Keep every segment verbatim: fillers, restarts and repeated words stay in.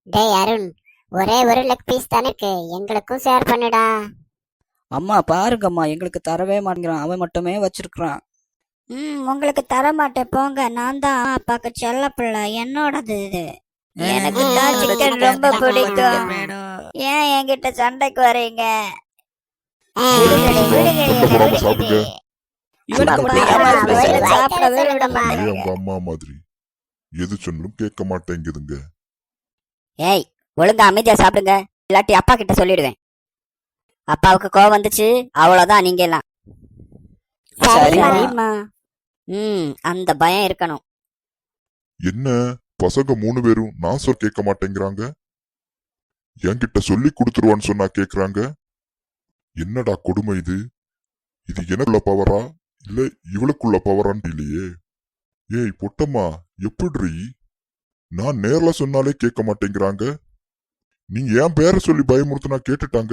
டேய் அருண், ஒரே ஒரு லெக் பீஸ் தானே இருக்கு, எங்களுக்கும் ஷேர் பண்ணுடா. அம்மா பாருங்கம்மா, எங்களுக்கு தரவே மாட்டேங்கிறான், அவன் மட்டுமே வச்சிருக்கிறான். ம் உங்களுக்கு தர மாட்டேன் போங்க. நான் தான் அப்பாக்கு செல்ல பிள்ளை, என்னோடது இது. எனக்கு தான் சிக்கன் ரொம்ப பிடிக்கும். ஏன் என்கிட்ட சண்டைக்கு வரீங்க? விடுங்கடி, விடுங்கடி, என்னை விடுங்கடி. இவனுக்கு அப்பா, மட்டும் ஏன் ஒரு பேசுற? சாப்பிடவே விட ஏன் மாட்டேங்க. உங்க அம்மா மாதிரி எது சொன்னாலும் கேட்க மாட்டேங்குதுங்க. ஏய், ஒழுங்கா அமைதியா சாப்பிடுங்க, இல்லாட்டி அப்பா கிட்ட சொல்லிடுவேன். அப்பாவுக்கு கோவம் வந்துச்சு, அவ்வளவுதான். நீங்க எல்லாம் சரிம்மா. சரிம்மா. ம் அந்த பயம் இருக்கணும். என்ன பசங்க மூணு பேரும் நான் சொல் கேட்க மாட்டேங்கிறாங்க. என்கிட்ட சொல்லி கொடுத்துருவான்னு சொன்னா கேக்குறாங்க. என்னடா கொடுமை இது? இது எனக்குள்ள பவரா இல்ல இவளுக்குள்ள பவரான்னு இல்லையே. ஏய் பொட்டம்மா, எப்படி நான் நேர்ல சொன்னாலே கேட்க மாட்டேங்கிறாங்க. நீங்க ஏன் பேரை சொல்லி பயமுறுத்தினா கேட்டுட்டாங்க.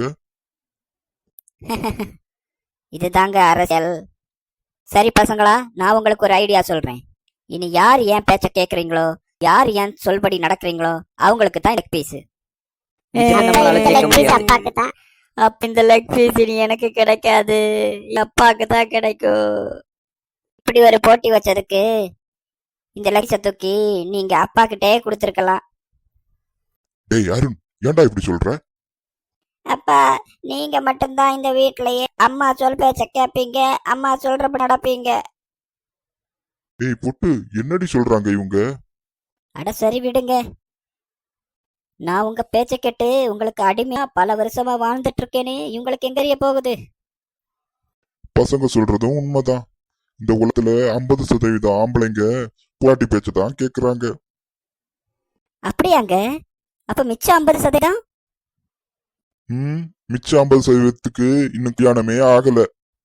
இதுதாங்க அரசியல். சரி பசங்களா, நான் உங்களுக்கு ஒரு ஐடியா சொல்றேன். இனி யார் ஏன் பேச்ச கேக்குறீங்களோ, யார் ஏன் சொல்படி நடக்கிறீங்களோ, அவங்களுக்கு தான் லெக் பீஸ். இது அப்ப நம்மளால இந்த கேட்க லெக் பீஸ் முடியாது. அப்பாக்கு தான். அப்ப இந்த லெக் பீஸ் இனி எனக்கு கிடைக்காது, அப்பாக்கு தான் கிடைக்கும். இப்படி ஒரு போட்டி வச்சதுக்கு இந்த லெக்ஸ தூக்கி நீங்க அப்பா கிட்டே கொடுத்துருக்கலாம். டேய் அருண், ஏன்டா இப்படி சொல்ற? அப்பா, நீங்க மட்டும்தான் இந்த வீட்லயே அம்மா சொல் பேச்ச கேப்பீங்க, அம்மா சொல்றப்ப நடப்பீங்க. டேய் பொட்டு, என்னடி சொல்றாங்க இவங்க? அட சரி விடுங்க. நான் உங்க பேச்ச கேட்டு உங்களுக்கு அடிமையா பல வருஷமா வாழ்ந்துட்டு இருக்கேனே, இவங்களுக்கு எங்கறிய போகுது? பசங்க சொல்றதும் உண்மைதான். இந்த உலகத்துல ஐம்பது சதவீதம் ஆம்பளைங்க புலாட்டி பேச்சதான் கேக்குறாங்க. அப்படியாங்க? அப்ப மிச்சம் ஐம்பது சதவீதம்? ம் மிச்சம் ஐம்பது சதவீதத்துக்கு இன்னும் கல்யாணமே ஆகல.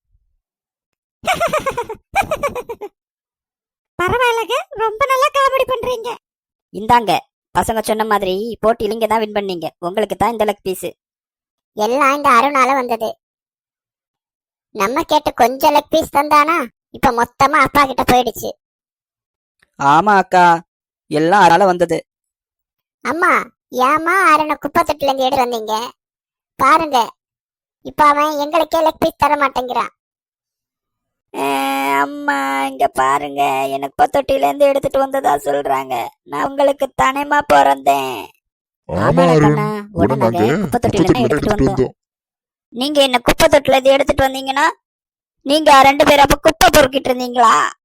பரவாயில்லங்க, ரொம்ப நல்லா காமெடி பண்றீங்க. இந்தாங்க, பசங்க சொன்ன மாதிரி போட்டியில நீங்க தான் வின் பண்ணீங்க, உங்களுக்கு தான் இந்த லெக் பீஸ். எல்லாம் இந்த அருணால வந்தது. நம்ம கேட்டு கொஞ்சம் லெக் பீஸ் தந்தானா, இப்ப மொத்தமா அப்பா கிட்ட போயிடுச்சு. ஆமா அக்கா, எல்லாம் அதனால வந்தது. அம்மா, ஏமா அருணை குப்பை தொட்டில இருந்து எடுத்து வந்தீங்க? பாருங்க, இப்ப அவன் எங்களுக்கே லெக் பீஸ் தர மாட்டேங்கிறான். அம்மா இங்க பாருங்க, எனக்கு தொட்டில இருந்து எடுத்துட்டு வந்ததா சொல்றாங்க. நான் உங்களுக்கு தானேமா பிறந்தேன். ஆமா ஆமாடா அருண், கண்ணா, உடனே உடனே நாங்க நாங்க குப்பை தொட்டில குப்பத்தொட்டில எடுத்துட்டு எடுத்துட்டு வந்தோம். வந்தோம். நீங்க என்ன குப்பை தொட்டில இருந்து எடுத்துட்டு வந்தீங்கன்னா, நீங்க ரெண்டு பேரும் அப்ப குப்பை பொறுக்கிட்டு இருந்தீங்களா?